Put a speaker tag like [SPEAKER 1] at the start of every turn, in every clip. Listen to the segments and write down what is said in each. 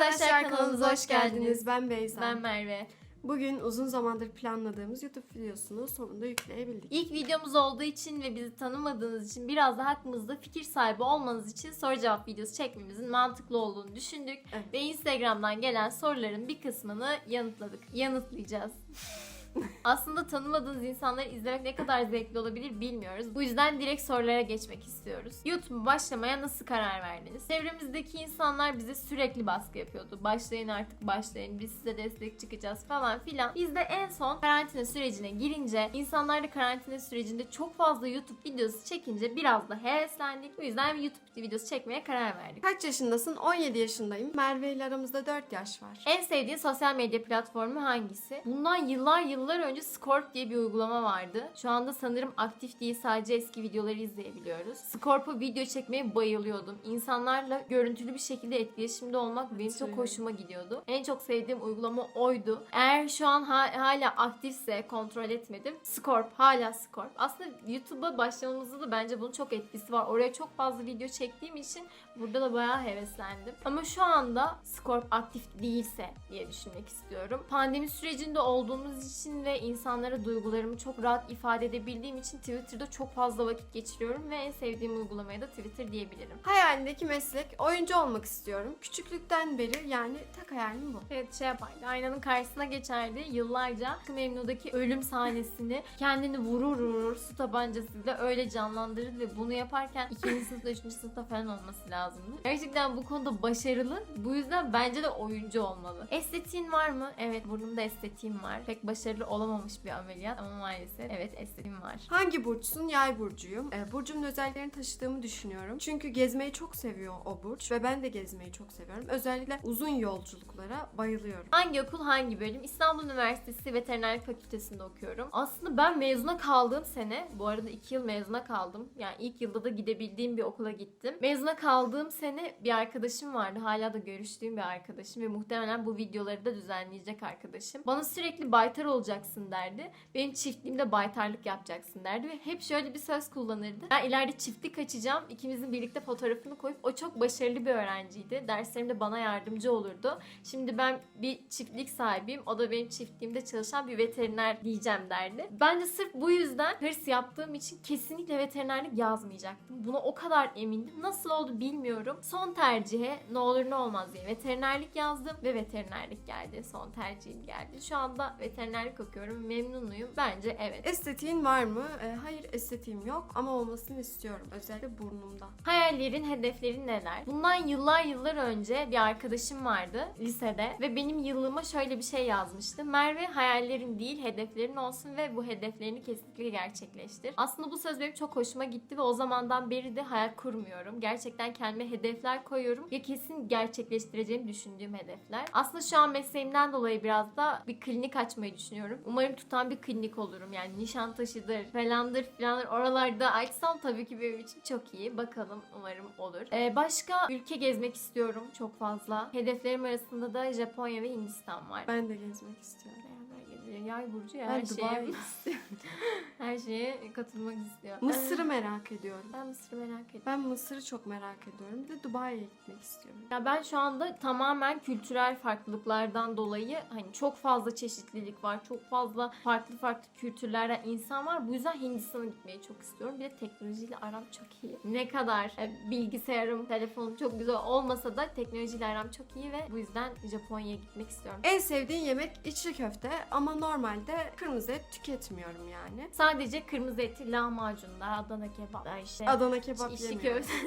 [SPEAKER 1] Arkadaşlar kanalımıza hoş geldiniz.
[SPEAKER 2] Ben Beyza.
[SPEAKER 1] Ben Merve.
[SPEAKER 2] Bugün uzun zamandır planladığımız YouTube videosunu sonunda yükleyebildik.
[SPEAKER 1] İlk videomuz olduğu için ve bizi tanımadığınız için biraz da hakkımızda fikir sahibi olmanız için soru cevap videosu çekmemizin mantıklı olduğunu düşündük.
[SPEAKER 2] Evet.
[SPEAKER 1] Ve Instagram'dan gelen soruların bir kısmını yanıtlayacağız. Aslında tanımadığınız insanları izlemek ne kadar zevkli olabilir bilmiyoruz. Bu yüzden direkt sorulara geçmek istiyoruz. YouTube'a başlamaya nasıl karar verdiniz? Çevremizdeki insanlar bize sürekli baskı yapıyordu. Başlayın artık başlayın, biz size destek çıkacağız falan filan. Biz de en son karantina sürecine girince, insanlar da karantina sürecinde çok fazla YouTube videosu çekince biraz da heveslendik. Bu yüzden bir YouTube videosu çekmeye karar verdik.
[SPEAKER 2] Kaç yaşındasın? 17 yaşındayım. Merve ile aramızda 4 yaş var.
[SPEAKER 1] En sevdiğin sosyal medya platformu hangisi? Bundan yıllar önce Scorp diye bir uygulama vardı. Şu anda sanırım aktif değil, sadece eski videoları izleyebiliyoruz. Scorp'a video çekmeye bayılıyordum. İnsanlarla görüntülü bir şekilde etkileşimde olmak benim çok hoşuma gidiyordu. En çok sevdiğim uygulama oydu. Eğer şu an hala aktifse, kontrol etmedim. Scorp, hala Scorp. Aslında YouTube'a başlamamızda da bence bunun çok etkisi var. Oraya çok fazla video çektiğim için burada da bayağı heveslendim. Ama şu anda Scorp aktif değilse diye düşünmek istiyorum. Pandemi sürecinde olduğumuz için ve insanlara duygularımı çok rahat ifade edebildiğim için Twitter'da çok fazla vakit geçiriyorum ve en sevdiğim uygulamaya da Twitter diyebilirim.
[SPEAKER 2] Hayalindeki meslek oyuncu olmak istiyorum. Küçüklükten beri yani tek hayalim bu.
[SPEAKER 1] Evet, şey yapardı. Aynanın karşısına geçerdi. Yıllarca Aşk-ı Memnu'daki ölüm sahnesini kendini vurur su tabancasıyla öyle canlandırır ve bunu yaparken 2. sınıfta 3. sınıfta falan olması lazımdı. Gerçekten bu konuda başarılı. Bu yüzden bence de oyuncu olmalı. Estetiğin var mı? Evet, burnumda estetiğim var. Pek başarılı olamamış bir ameliyat ama maalesef evet, estetiğim var.
[SPEAKER 2] Hangi burçsun? Yay burcuyum. Burcumun özelliklerini taşıdığımı düşünüyorum. Çünkü gezmeyi çok seviyor o burç ve ben de gezmeyi çok seviyorum. Özellikle uzun yolculuklara bayılıyorum.
[SPEAKER 1] Hangi okul, hangi bölüm? İstanbul Üniversitesi Veterinerlik Fakültesi'nde okuyorum. Aslında ben mezuna kaldığım sene, bu arada 2 yıl mezuna kaldım. Yani ilk yılda da gidebildiğim bir okula gittim. Mezuna kaldığım sene bir arkadaşım vardı. Hala da görüştüğüm bir arkadaşım ve muhtemelen bu videoları da düzenleyecek arkadaşım. Bana sürekli baytar olacaksın derdi. Benim çiftliğimde baytarlık yapacaksın derdi ve hep şöyle bir söz kullanırdı. Ben ileride çiftlik açacağım. İkimizin birlikte fotoğrafını koyup, o çok başarılı bir öğrenciydi. Derslerimde bana yardımcı olurdu. Şimdi ben bir çiftlik sahibiyim. O da benim çiftliğimde çalışan bir veteriner diyeceğim derdi. Ben de sırf bu yüzden hırs yaptığım için kesinlikle veterinerlik yazmayacaktım. Buna o kadar emindim. Nasıl oldu bilmiyorum. Son tercihe ne olur ne olmaz diye veterinerlik yazdım ve veterinerlik geldi. Son tercihim geldi. Şu anda veterinerlik okuyorum. Memnunuyum. Bence evet.
[SPEAKER 2] Estetiğin var mı? Hayır, estetiğim yok ama olmasını istiyorum. Özellikle burnumda.
[SPEAKER 1] Hayallerin, hedeflerin neler? Bundan yıllar önce bir arkadaşım vardı lisede ve benim yıllığıma şöyle bir şey yazmıştı. Merve, hayallerin değil hedeflerin olsun ve bu hedeflerini kesinlikle gerçekleştir. Aslında bu söz benim çok hoşuma gitti ve o zamandan beri de hayal kurmuyorum. Gerçekten kendime hedefler koyuyorum ve kesin gerçekleştireceğimi düşündüğüm hedefler. Aslında şu an mesleğimden dolayı biraz da bir klinik açmayı düşünüyorum. Umarım tutan bir klinik olurum. Yani Nişantaşı'dır, falandır filandır, oralarda açsam tabii ki benim için çok iyi. Bakalım, umarım olur. Başka ülke gezmek istiyorum çok fazla. Hedeflerim arasında da Japonya ve Hindistan var.
[SPEAKER 2] Ben de gezmek istiyorum.
[SPEAKER 1] Yay burcu ya,
[SPEAKER 2] Ben
[SPEAKER 1] her
[SPEAKER 2] Dubai
[SPEAKER 1] şeye,
[SPEAKER 2] istiyorum.
[SPEAKER 1] her şeye katılmak istiyor.
[SPEAKER 2] Mısır'ı merak ediyorum.
[SPEAKER 1] Ben Mısır'ı merak ediyorum.
[SPEAKER 2] Ben Mısır'ı çok merak ediyorum. Bir de Dubai'ye gitmek istiyorum.
[SPEAKER 1] Ya ben şu anda tamamen kültürel farklılıklardan dolayı hani çok fazla çeşitlilik var. Çok fazla farklı kültürlerden insan var. Bu yüzden Hindistan'a gitmeyi çok istiyorum. Bir de teknolojiyle aram çok iyi. Ne kadar bilgisayarım, telefonum çok güzel olmasa da teknolojiyle aram çok iyi ve bu yüzden Japonya'ya gitmek istiyorum.
[SPEAKER 2] En sevdiğin yemek içli köfte ama normalde kırmızı et tüketmiyorum yani.
[SPEAKER 1] Sadece kırmızı eti, lahmacunlar, Adana kebaplar işte.
[SPEAKER 2] Adana kebap
[SPEAKER 1] içli
[SPEAKER 2] yemiyorum.
[SPEAKER 1] köfte.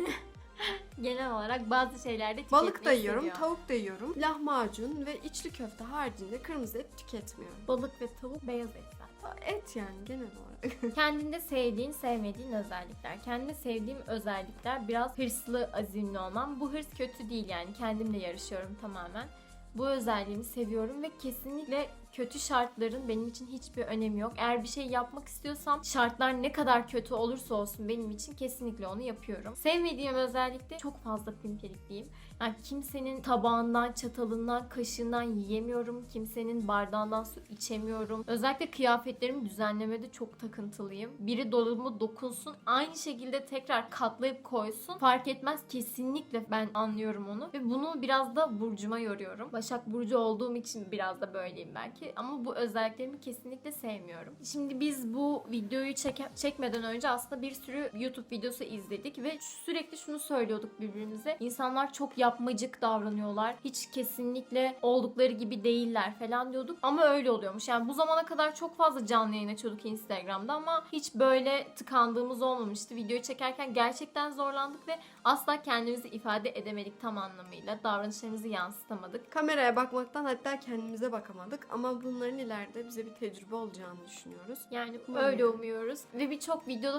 [SPEAKER 1] Genel olarak bazı şeylerde tüketmeyi
[SPEAKER 2] Balık da yiyorum,
[SPEAKER 1] seviyor.
[SPEAKER 2] tavuk da yiyorum. Lahmacun ve içli köfte haricinde kırmızı et tüketmiyorum.
[SPEAKER 1] Balık ve tavuk, beyaz et zaten.
[SPEAKER 2] Et yani genel olarak.
[SPEAKER 1] Kendinde sevdiğin, sevmediğin özellikler. Kendinde sevdiğim özellikler biraz hırslı, azimli olmam. Bu hırs kötü değil yani. Kendimle yarışıyorum tamamen. Bu özelliğimi seviyorum ve kesinlikle Kötü şartların benim için hiçbir önemi yok. Eğer bir şey yapmak istiyorsam şartlar ne kadar kötü olursa olsun benim için kesinlikle onu yapıyorum. Sevmediğim özellikle çok fazla pimpirikliyim. Yani kimsenin tabağından, çatalından, kaşığından yiyemiyorum. Kimsenin bardağından su içemiyorum. Özellikle kıyafetlerimi düzenlemede çok takıntılıyım. Biri dolabıma dokunsun, aynı şekilde tekrar katlayıp koysun. Fark etmez, kesinlikle ben anlıyorum onu. Ve bunu biraz da burcuma yoruyorum. Başak Burcu olduğum için biraz da böyleyim belki. Ama bu özelliklerimi kesinlikle sevmiyorum. Şimdi biz bu videoyu çekmeden önce aslında bir sürü YouTube videosu izledik ve sürekli şunu söylüyorduk birbirimize. İnsanlar çok yapmacık davranıyorlar. Hiç kesinlikle oldukları gibi değiller falan diyorduk. Ama öyle oluyormuş. Yani bu zamana kadar çok fazla canlı yayın açıyorduk Instagram'da ama hiç böyle tıkandığımız olmamıştı. Videoyu çekerken gerçekten zorlandık ve asla kendimizi ifade edemedik tam anlamıyla. Davranışlarımızı yansıtamadık.
[SPEAKER 2] Kameraya bakmaktan hatta kendimize bakamadık ama bunların ileride bize bir tecrübe olacağını düşünüyoruz.
[SPEAKER 1] Yani
[SPEAKER 2] Umarım.
[SPEAKER 1] öyle umuyoruz. Ve birçok videoda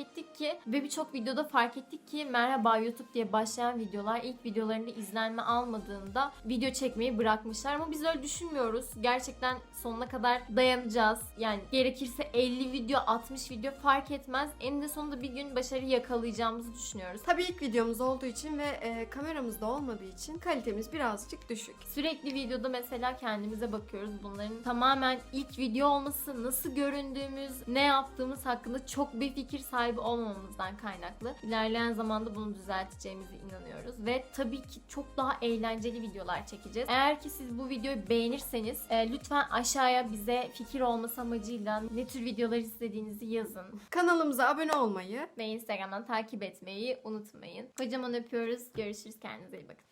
[SPEAKER 1] fark ettik ki merhaba YouTube diye başlayan videolar ilk videolarında izlenme almadığında video çekmeyi bırakmışlar. Ama biz öyle düşünmüyoruz. Gerçekten sonuna kadar dayanacağız. Yani gerekirse 50 video, 60 video fark etmez. Eninde sonunda bir gün başarı yakalayacağımızı düşünüyoruz.
[SPEAKER 2] Tabii ilk videomuz olduğu için ve kameramız da olmadığı için kalitemiz birazcık düşük.
[SPEAKER 1] Sürekli videoda mesela kendimize bakıyoruz. Bunların tamamen ilk video olması, nasıl göründüğümüz, ne yaptığımız hakkında çok bir fikir sahibi olmamamızdan kaynaklı. İlerleyen zamanda bunu düzelteceğimize inanıyoruz. Ve tabii ki çok daha eğlenceli videolar çekeceğiz. Eğer ki siz bu videoyu beğenirseniz lütfen aşağıya bize fikir olması amacıyla ne tür videolar istediğinizi yazın.
[SPEAKER 2] Kanalımıza abone olmayı
[SPEAKER 1] Ve Instagram'dan takip etmeyi unutmayın. Kocaman öpüyoruz. Görüşürüz. Kendinize iyi bakın.